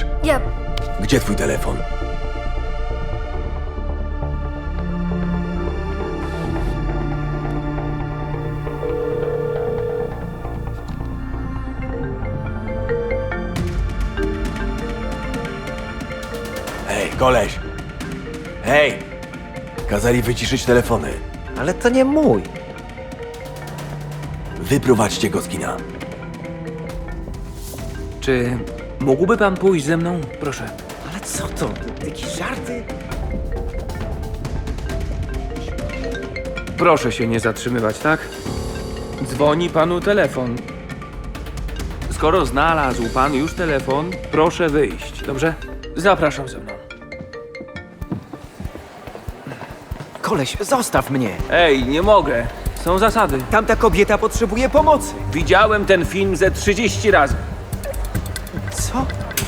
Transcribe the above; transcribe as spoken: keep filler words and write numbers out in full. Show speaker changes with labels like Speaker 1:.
Speaker 1: chcesz?
Speaker 2: Ja...
Speaker 1: Gdzie twój telefon? Hej, koleś! Hej! Kazali wyciszyć telefony.
Speaker 3: Ale to nie mój.
Speaker 1: Wyprowadźcie go z kina.
Speaker 4: Czy mógłby pan pójść ze mną? Proszę.
Speaker 3: Ale co to? Jakieś żarty?
Speaker 4: Proszę się nie zatrzymywać, tak? Dzwoni panu telefon. Skoro znalazł pan już telefon, proszę wyjść, dobrze? Zapraszam ze mną.
Speaker 3: Koleś, zostaw mnie.
Speaker 4: Ej, nie mogę. Są zasady.
Speaker 3: Tamta kobieta potrzebuje pomocy.
Speaker 4: Widziałem ten film ze trzydzieści razy.
Speaker 3: Co?